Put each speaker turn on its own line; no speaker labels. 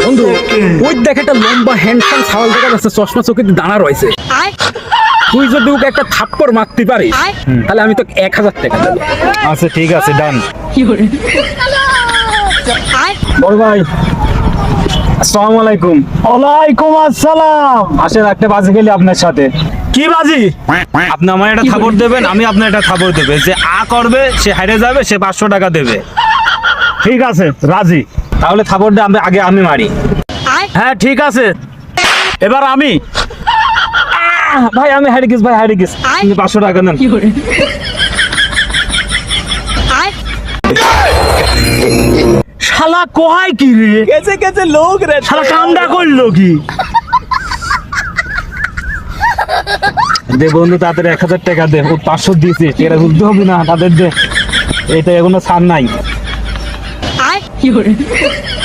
বন্ধু ওই দেখ একটা লম্বা হ্যান্ডসাম ছাওয়াল দেখা যাচ্ছে, চশমা চোখে দানা রয়েছে। তুই যদি ওকে একটা থাপ্পড় মারতে পারিস তাহলে আমি তোকে 1000 টাকা দেবো।
আচ্ছা ঠিক আছে, ডান।
বড় ভাই
আসসালামু আলাইকুম।
ওয়ালাইকুম আসসালাম।
আসেন, একটা বাজি খেলি আপনার সাথে।
কি বাজি?
আপনি আমার একটা থাপড় দেবেন, আমি আপনার একটা থাপড় দেবে। যে আ করবে সে হারে যাবে, সে 500 টাকা দেবে।
ঠিক আছে, রাজি।
তাহলে থাপড়টা আগে আমি মারি।
হ্যাঁ ঠিক আছে, এবার আমি।
ভাই আমি হারে গেছি, ভাই হারে গেছি। আপনি 500 টাকা নেন।
শালা কোহায় কি রে?
कैसे कैसे लोग रहते
শালা কামডা করলো কি?
দে বন্ধু তাদের 1000 টাকা দে। ও 500 দিয়েছে, এরা বুঝতে হবে না তাদের দে। এটা এখনো ছাড় নাই।